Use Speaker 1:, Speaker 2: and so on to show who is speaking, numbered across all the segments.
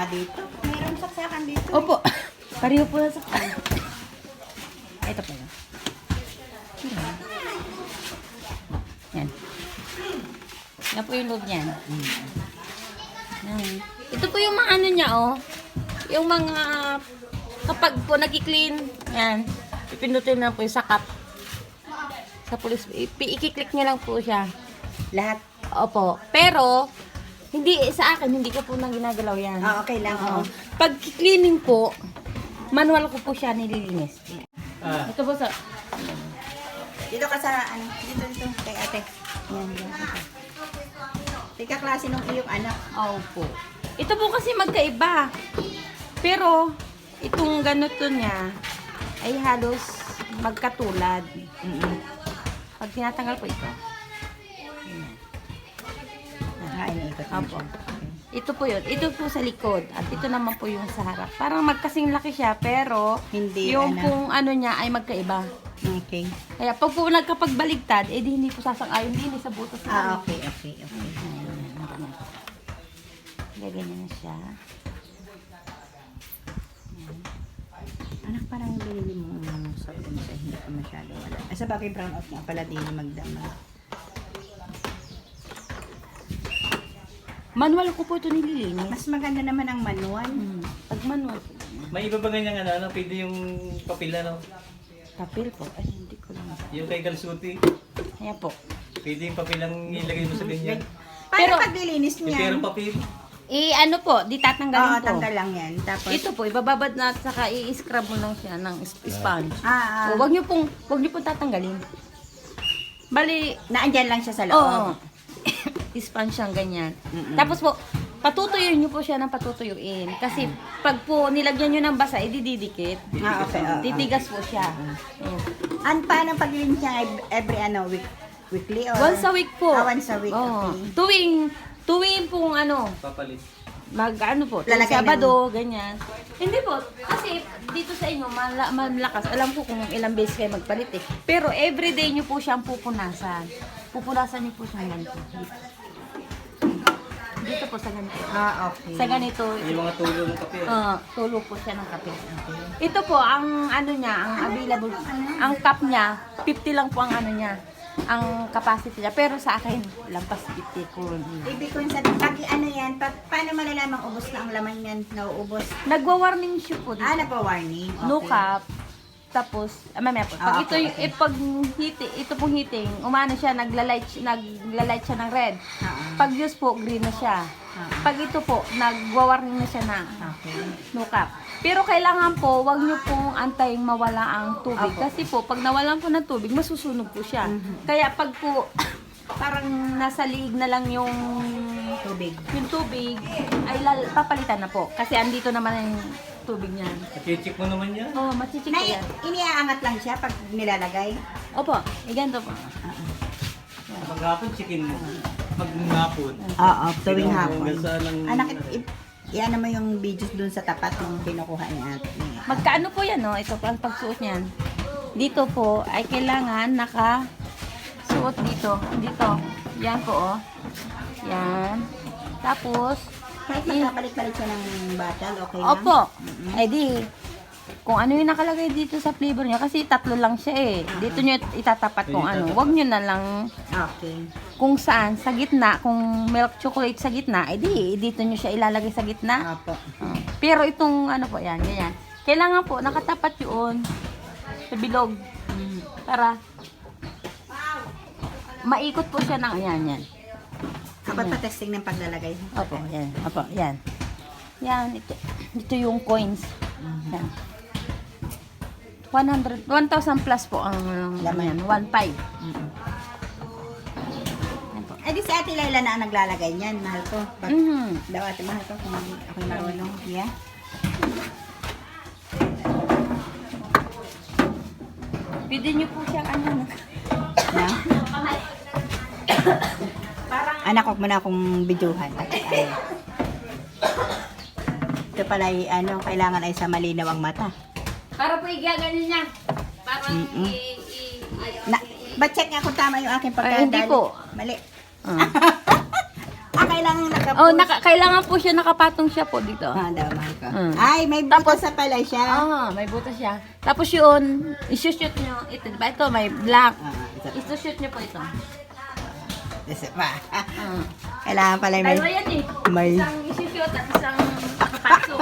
Speaker 1: nga dito. Mayroong saksakan dito.
Speaker 2: Opo. Pareho po sa kanya. Ito pa yun. Yan. Yan po yung loob niyan. Yan. Ito po yung mga ano niya, oh. Yung mga, kapag po nag-clean, yan. Ipindutin na po yung sakap. Sa pulis, i-click niya lang po siya.
Speaker 1: Lahat.
Speaker 2: Opo. Pero, hindi, sa akin, hindi ko po nang ginagalaw yan.
Speaker 1: Ah, okay lang.
Speaker 2: Oo.
Speaker 1: Oo.
Speaker 2: Pag cleaning po, manual ko po siya nililinis. Ito po sa...
Speaker 1: Dito ka sa, ano, dito, kay ate. Yan, yan. Tika klase nung iyong anak.
Speaker 2: Opo. Ito po kasi magkaiba. Pero, itong ganito niya, ay halos magkatulad. Pag tinatanggal po ito.
Speaker 1: Iniikot mo
Speaker 2: Opo.
Speaker 1: siya.
Speaker 2: Ito po yun. Ito po sa likod. At ito naman po yung sa harap. Parang magkasing laki siya, pero
Speaker 1: Hindi,
Speaker 2: yung
Speaker 1: ano.
Speaker 2: pong ano niya ay magkaiba.
Speaker 1: Okay.
Speaker 2: Kaya pag po nagkapagbaligtad, eh di hindi po sasang-ayon din sa butas
Speaker 1: Ah,
Speaker 2: namin.
Speaker 1: okay, okay, okay.
Speaker 2: Gaganyan na siya.
Speaker 1: Anak, parang binili mo sa sa hindi pa masyado wala. Ay, sa bagay brown out nga pala din magdama.
Speaker 2: Manual ko po ito nililinis.
Speaker 1: Mas maganda naman ang manual.
Speaker 2: Pag manual po.
Speaker 3: May iba ba ganyan ano, pwede yung papel ano?
Speaker 2: Papel po. Ay, hindi ko lang.
Speaker 3: Yung kay Galsuti,
Speaker 2: Ayan po.
Speaker 3: pwede yung papel ang ilagay mo sa ganyan.
Speaker 1: Paano
Speaker 2: Pero-
Speaker 1: paglilinis
Speaker 3: Yung
Speaker 1: niya?
Speaker 3: perang papel.
Speaker 2: Ano po, di tatanggalin
Speaker 1: Oo,
Speaker 2: po.
Speaker 1: tanggal lang yan. Tapos,
Speaker 2: Ito po, ibababad na at saka i-scrub mo lang siya ng sponge. O,
Speaker 1: ah,
Speaker 2: wag niyo pong tatanggalin. Bali,
Speaker 1: naandyan lang siya sa loob.
Speaker 2: oo. Sponge siyang ganyan. Tapos po, patutuyuin niyo po siya ng patutuyuin. Kasi pag po nilagyan niyo ng basa, idididikit.
Speaker 1: Ah, okay.
Speaker 2: Titigas po siya. Ayan.
Speaker 1: Paano paglilinis niya every ano, weekly or?
Speaker 2: Once a week po.
Speaker 1: Ah, once a week,
Speaker 2: Oo.
Speaker 1: okay.
Speaker 2: Tuwing pong ano,
Speaker 3: Papalit.
Speaker 2: ano po, tuwing
Speaker 1: Lalagay
Speaker 2: Sabado, ganyan. Hindi po, kasi dito sa inyo, malakas. Alam ko kung ilang beses kayo magpalit eh. Pero everyday nyo po siyang pupunasan. Pupunasan nyo po siyang ganito. Dito po sa ganito.
Speaker 1: Ah, okay.
Speaker 2: Sa ganito,
Speaker 3: Yung mga tulo ng papel.
Speaker 2: tulo po siya ng kape. Ito po, ang ano niya, ang available, ang cup niya, 50 lang po ang ano niya, ang capacity niya. Pero sa akin, lampas 50 ko.
Speaker 1: Ibig ko sa pag ano yan, paano malalamang ubos na ang laman yan, nauubos?
Speaker 2: Nagwa-warning shoe po dito.
Speaker 1: Ah, nagpa-warning. Okay.
Speaker 2: No cap. Tapos, mamaya po. Pag ito,
Speaker 1: okay, okay.
Speaker 2: pag ito pong heating, umano siya, naglalight siya ng red. Pag use po, green na siya. Pag ito po, nagwa-warning na siya na
Speaker 1: Okay.
Speaker 2: no cap. Pero kailangan po, wag niyo pong antayin mawala ang tubig.
Speaker 1: Apo.
Speaker 2: Kasi po, pag nawalan po ng tubig, masusunog po siya. Kaya pag po, parang nasa liig na lang yung tubig, ay papalitan na po. Kasi andito naman yung tubig niyan.
Speaker 3: Check mo naman yan.
Speaker 2: Oh, machichik
Speaker 1: Na,
Speaker 2: po yan.
Speaker 1: iniaangat lang siya pag nilalagay.
Speaker 2: Opo, ganito po.
Speaker 3: Pag hapon, checkin mo. Pag hapon.
Speaker 1: Oo, tuwing hapon.
Speaker 3: Hanggang saan ang...
Speaker 1: Anak, iyan mo yung videos dun sa tapat ng kinukuha niya.
Speaker 2: Magkaano po yan, no? Ito po ang pagsuot niyan. Dito po ay kailangan naka-suot dito. Dito. Yan po, oh. Yan. Tapos,
Speaker 1: Kahit magkapalit-palit siya ng bottle, okay lang?
Speaker 2: opo. Eh di, kung ano yung nakalagay dito sa flavor niya, kasi tatlo lang siya eh. Dito nyo itatapat kung ano. Huwag nyo na lang
Speaker 1: Okay.
Speaker 2: kung saan, sa gitna, kung milk chocolate sa gitna, eh di, dito nyo siya ilalagay sa gitna.
Speaker 1: Opo.
Speaker 2: Pero itong ano po, yan, ganyan. Kailangan po, nakatapat yun sa bilog. Para maikot po siya ng yan.
Speaker 1: Kapag pa-testing ng paglalagay.
Speaker 2: Opo, yan. Opo, yan. Yan, ito yung coins. Yan. 1,000 plus po ang laman yan. 1.5. Yan po.
Speaker 1: Eh di si Ate Laila na ang naglalagay niyan, mahal ko. Pag daw ate, mahal ko kung ako'y marunong. Yeah.
Speaker 2: Pwede niyo po siyang ano.
Speaker 1: Na? Anak, huwag mo na akong videohan. Ay. Ito pala ay, ano, kailangan ay sa malinaw ang mata.
Speaker 2: Para po igaganin niya. Para
Speaker 1: Na, ba-check nga kung tama yung aking
Speaker 2: Ay,
Speaker 1: pagkadali.
Speaker 2: hindi po.
Speaker 1: Mali.
Speaker 2: Ah.
Speaker 1: kailangan nakapush.
Speaker 2: Oh, kailangan po siya nakapatong siya po dito.
Speaker 1: Damay ko.
Speaker 2: Mm.
Speaker 1: Ay, may butas sa pala siya.
Speaker 2: May butas siya. Tapos yun, isushoot nyo. Ito, diba? Ito, may black. Isushoot nyo po ito.
Speaker 1: Isa pa. Kailangan pala may...
Speaker 2: Dalawa yan eh.
Speaker 1: May...
Speaker 2: Isang isushoot at isang nakapatong.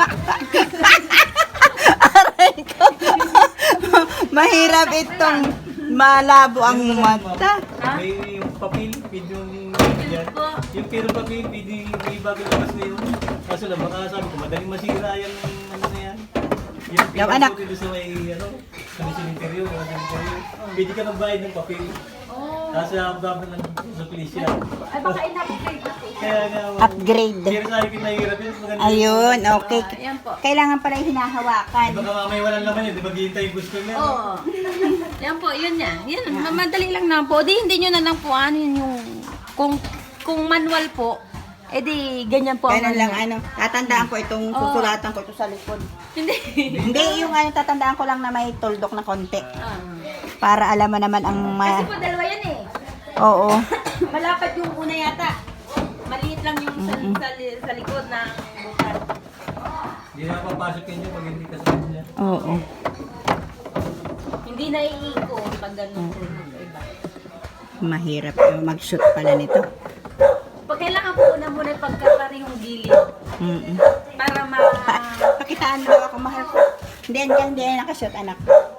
Speaker 1: Aray ko. Mahirap itong malabo ang mata.
Speaker 3: May yung papel, pwede yung yan. Yung pero papel, pwede may bagay labas na yun. Kaso lang, baka sabi ko, madaling masira yung ano na yan. Yung
Speaker 1: anak.
Speaker 3: pinag sa may, ano, sa may cemetery, mga cemetery. Pwede ka magbayad ng papel. Kasi ang dami ng sa pulisya.
Speaker 2: Ay, baka inapupay natin.
Speaker 3: Kaya nga,
Speaker 1: Upgrade.
Speaker 3: pero sa akin nahihirap yun. Maganda.
Speaker 1: Ayun, okay.
Speaker 2: Ayan po.
Speaker 1: Kailangan pala yung hinahawakan.
Speaker 3: Baka mamaya walang laman yun, di ba hihintay yung gusto niya?
Speaker 2: Oo. Yan po, yun yan. Yan, madali lang na po. Di, hindi nyo na lang po ano yun yung... Kung manual po, edi ganyan po.
Speaker 1: Ganun lang,
Speaker 2: manual.
Speaker 1: tatandaan ko itong susulatan ko ito sa likod.
Speaker 2: Hindi.
Speaker 1: Hindi, yung tatandaan ko lang na may tuldok na konti.
Speaker 2: Ah.
Speaker 1: Para alam mo naman ang...
Speaker 2: Kasi po dalawa yan eh.
Speaker 1: Oo.
Speaker 2: Malapad yung una yata. Maliit lang yung sa likod ng bukas.
Speaker 3: Hindi na papasok yun yung pag hindi ka sa kanya.
Speaker 1: Oo.
Speaker 2: Hindi na iiko pag ganun po iba.
Speaker 1: Mahirap mag-shoot pala nito.
Speaker 2: Pag kailangan po muna pagkatari yung gilid
Speaker 1: Mm-mm.
Speaker 2: para ma...
Speaker 1: Pakitaan daw ako, mahal ko. Hindi nakashoot, anak.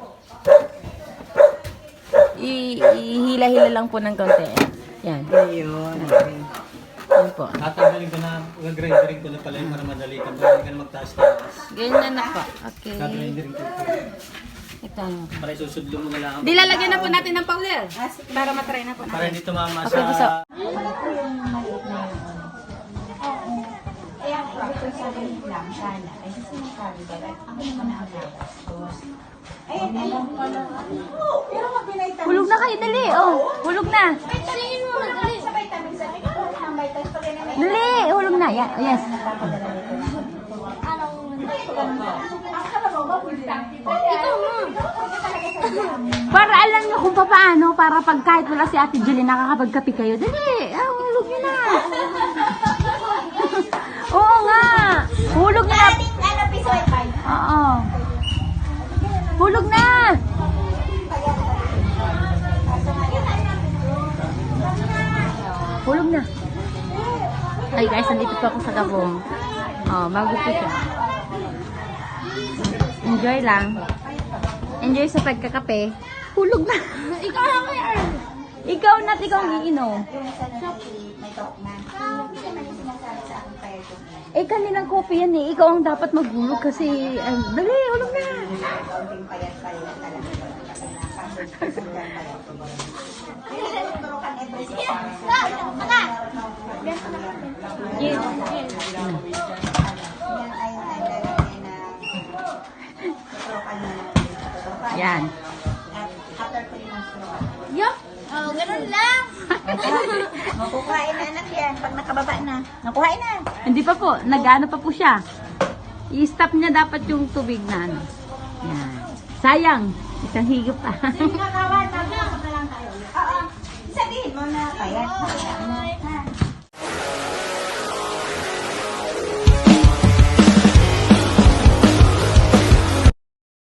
Speaker 2: Ihila-hila lang po ng konti. Yan.
Speaker 1: Ayun. Okay.
Speaker 2: Yan po.
Speaker 3: Tatanggalin ko na, gagrinderin ko na pala yun para madali ka. Para hindi ka na magtaas-taas.
Speaker 2: Ganyan na po. Okay.
Speaker 3: Gagrinderin ko.
Speaker 2: Ito ano.
Speaker 3: Para isusudlo mo na lang.
Speaker 2: Di lalagyan na po natin ng powder. Para matry na po
Speaker 3: Para
Speaker 2: natin.
Speaker 3: hindi tumama
Speaker 2: Okay, gusto.
Speaker 3: sa...
Speaker 1: Kaya ito sa lang sana. Ay, sinasabi ba? Ako naman ang gastos. Ayun, ayun pala. Pero wag binaytan.
Speaker 2: Hulog na kayo, dali. Oh, hulog na.
Speaker 1: Tingin mo na dali. Sa vitamins. Sa ang vitamins pag yan na
Speaker 2: Dali, hulog na. Yes. Para alam nyo kung paano, para pag kahit wala si Ate Julie, nakakapagkapi kayo. Dali, hulog nyo na. Oo nga. Hulog na.
Speaker 1: Ano, piso ay fine.
Speaker 2: Oo. Hulog na. Hulog na. Ay guys, nandito po ako sa Gabong. Oh, bago po siya. Enjoy lang. Enjoy sa pagkakape. Hulog na. Ikaw lang yan. Ikaw na't ikaw ang iinom.
Speaker 1: May talk na. Hindi naman yung sinasabi sa akin kaya ito.
Speaker 2: Eh, kanilang kopi yan eh. Ikaw ang dapat maghulog kasi... Ay, dali, hulog na.
Speaker 1: Kaunting payat-payat talaga. Kasi nakasugdan payat. Kaya nagtuturukan every day.
Speaker 2: Yes.
Speaker 1: Yan ay lalagay na tuturukan na tuturukan.
Speaker 2: Yan.
Speaker 1: At after 3 months tuturukan.
Speaker 2: Yup. Oh, ganun lang.
Speaker 1: Makukain na anak yan pag nakababa na. Nakuhain na.
Speaker 2: Hindi pa po. Nag-ano pa po siya. I-stop niya dapat yung tubig na ano. Yan. Sayang. Isang higop pa.
Speaker 1: Sige mga kawan, mag-usap na lang tayo. Oo. Sabihin mo na payat.